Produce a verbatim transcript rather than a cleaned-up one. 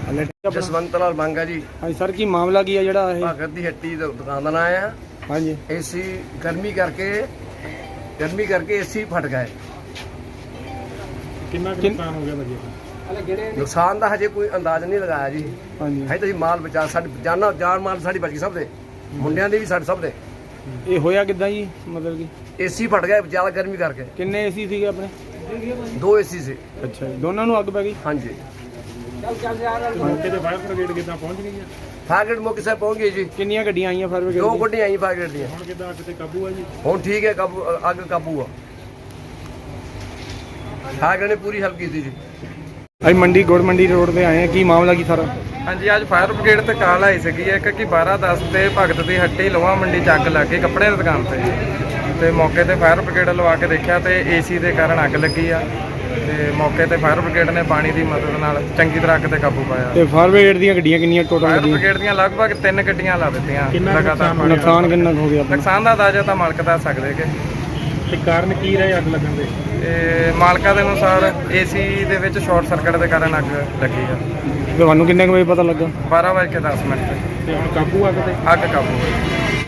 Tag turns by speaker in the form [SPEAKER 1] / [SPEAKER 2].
[SPEAKER 1] ਜਸਵੰਤ ਲਾਲ ਮੰਗਾ ਜੀ।
[SPEAKER 2] ਹਾਂਜੀ ਸਰ, ਕੀ ਮਾਮਲਾ ਕੀ ਹੈ ਜਿਹੜਾ ਇਹ?
[SPEAKER 1] ਭਗਤ ਦੀ ਹੱਟੀ ਦਾ ਦੁਕਾਨ ਦਾ ਨਾਂ ਆ।
[SPEAKER 2] ਹਾਂਜੀ,
[SPEAKER 1] ਏਸੀ ਗਰਮੀ ਕਰਕੇ ਗਰਮੀ ਕਰਕੇ ਏਸੀ ਫਟ ਗਏ।
[SPEAKER 2] ਕਿੰਨਾ ਕੁ ਨੁਕਸਾਨ ਹੋ ਗਿਆ ਭਾਜੀ?
[SPEAKER 1] ਨੁਕਸਾਨ ਦਾ ਹਜੇ ਕੋਈ ਅੰਦਾਜ਼ ਨਹੀਂ ਲਗਾਇਆ ਜੀ।
[SPEAKER 2] ਹਾਂਜੀ,
[SPEAKER 1] ਹਜੇ ਤੁਸੀਂ ਮਾਲ ਬਚਾ ਸਾਡੀ ਜਾਨਾਂ ਜਾਨ ਮਾਲ ਸਾਡੀ ਬਚ ਗਈ, ਸਭ ਦੇ ਮੁੰਡਿਆਂ ਦੀ ਵੀ ਸਾਡੇ ਸਭ ਦੇ।
[SPEAKER 2] ਇਹ ਹੋਇਆ ਕਿੱਦਾਂ ਜੀ? ਮਤਲਬ ਕਿ
[SPEAKER 1] ਏਸੀ ਫਟ ਗਏ ਜ਼ਿਆਦਾ ਗਰਮੀ ਕਰਕੇ।
[SPEAKER 2] ਕਿੰਨੇ ਏਸੀ ਸੀਗੇ ਆਪਣੇ?
[SPEAKER 1] ਦੋ ਏਸੀ ਸੀ।
[SPEAKER 2] ਅੱਛਾ ਜੀ, ਦੋਨਾਂ ਨੂੰ ਅੱਗ ਪੈ ਗਈ?
[SPEAKER 1] ਹਾਂਜੀ।
[SPEAKER 2] ਮੌਕੇ ਤੇ ਫਾਇਰ ਬ੍ਰਿਗੇਡ ਕਿੱਦਾਂ ਪਹੁੰਚ ਗਈ ਹੈ?
[SPEAKER 1] ਫਾਇਰ ਬ੍ਰਿਗੇਡ ਮੌਕੇ ਸਾਹਿਬ ਪਹੁੰਚ ਗਏ ਜੀ।
[SPEAKER 2] ਕਿੰਨੀਆਂ ਗੱਡੀਆਂ ਆਈਆਂ ਫਾਇਰ ਬ੍ਰਿਗੇਡ
[SPEAKER 1] ਦੋ
[SPEAKER 2] ਦੀਆਂ?
[SPEAKER 1] ਗੱਡੀਆਂ ਆਈਆਂ ਫਾਇਰ ਬ੍ਰਿਗੇਡ ਦੀਆਂ।
[SPEAKER 2] ਹੁਣ ਕਿੱਦਾਂ ਅੱਗ ਤੇ ਕਾਬੂ ਆ ਜੀ?
[SPEAKER 1] ਹੁਣ ਠੀਕ ਹੈ, ਕਾਬੂ ਅੱਗ ਕਾਬੂ ਆ। ਫਾਇਰ ਬ੍ਰਿਗੇਡ ਨੇ ਪੂਰੀ ਹੈਲਪ ਕੀਤੀ ਜੀ।
[SPEAKER 2] ਅਸੀਂ ਮੰਡੀ ਗੁੜ ਮੰਡੀ ਰੋਡ ਤੇ ਆਏ ਆ, ਕੀ ਮਾਮਲਾ ਕੀ ਸਾਰਾ?
[SPEAKER 3] ਹਾਂਜੀ, ਅੱਜ ਫਾਇਰ ਬ੍ਰਿਗੇਡ ਤੇ ਕਾਲ ਆਈ ਸੀਗੀ ਇੱਕ ਕਿ ਬਾਰਾਂ ਦਸ ਤੇ ਭਗਤ ਦੀ ਹੱਟੀ ਲੋਹਾ ਮੰਡੀ 'ਚ ਅੱਗ ਲੱਗ ਗਈ ਕੱਪੜੇ ਦੀ ਦੁਕਾਨ ਤੇ। ਤੇ ਮੌਕੇ ਤੇ ਫਾਇਰ ਬ੍ਰਿਗੇਡ ਲਵਾ ਕੇ ਦੇਖਿਆ ਤੇ ਏਸੀ ਦੇ ਕਾਰਨ ਅੱਗ ਲੱਗੀ ਆ। ਤੇ ਮੌਕੇ ਤੇ ਫਾਇਰ ਬ੍ਰਿਗੇਡ ਨੇ ਪਾਣੀ ਦੀ ਮਦਦ ਨਾਲ ਚੰਗੀ ਤਰ੍ਹਾਂ ਅੱਗ ਤੇ ਕਾਬੂ ਪਾਇਆ।
[SPEAKER 2] ਤੇ ਫਾਇਰ ਬ੍ਰਿਗੇਡ ਦੀਆਂ ਗੱਡੀਆਂ ਕਿੰਨੀਆਂ ਟੋਟਲ
[SPEAKER 3] ਫਾਇਰ
[SPEAKER 2] ਲੱਗੀਆਂ?
[SPEAKER 3] ਬ੍ਰਿਗੇਡ ਦੀਆਂ ਲਗਭਗ ਤਿੰਨ ਗੱਡੀਆਂ ਲਾ ਦਿੱਤੀਆਂ ਲਗਾਤਾਰ।
[SPEAKER 2] ਨੁਕਸਾਨ ਕਿੰਨਾ ਕੁ ਹੋ ਗਿਆ ਆਪਣਾ?
[SPEAKER 3] ਨੁਕਸਾਨ ਦਾ ਅੰਦਾਜ਼ਾ ਤਾਂ ਮਾਲਕ ਦੱਸ ਸਕਦੇ ਕਿ।
[SPEAKER 2] ਤੇ ਕਾਰਨ ਕੀ ਰਹੇ ਅੱਗ ਲੱਗਣ ਦੇ?
[SPEAKER 3] ਤੇ ਮਾਲਕਾਂ ਦੇ ਅਨੁਸਾਰ ਏਸੀ ਦੇ ਵਿੱਚ ਸ਼ਾਰਟ ਸਰਕਟ ਦੇ ਕਾਰਨ ਅੱਗ ਲੱਗੀ ਆ।
[SPEAKER 2] ਤੁਹਾਨੂੰ ਕਿੰਨੇ ਕੁ ਵਜੇ ਪਤਾ ਲੱਗਾ?
[SPEAKER 3] ਬਾਰਾਂ ਵਜੇ ਕੇ ਦਸ ਮਿੰਟ ਤੇ
[SPEAKER 2] ਤੇ ਹੁਣ ਕਾਬੂ ਅੱਗ ਤੇ?
[SPEAKER 3] ਅੱਗ ਕਾਬੂ ਹੋਈ।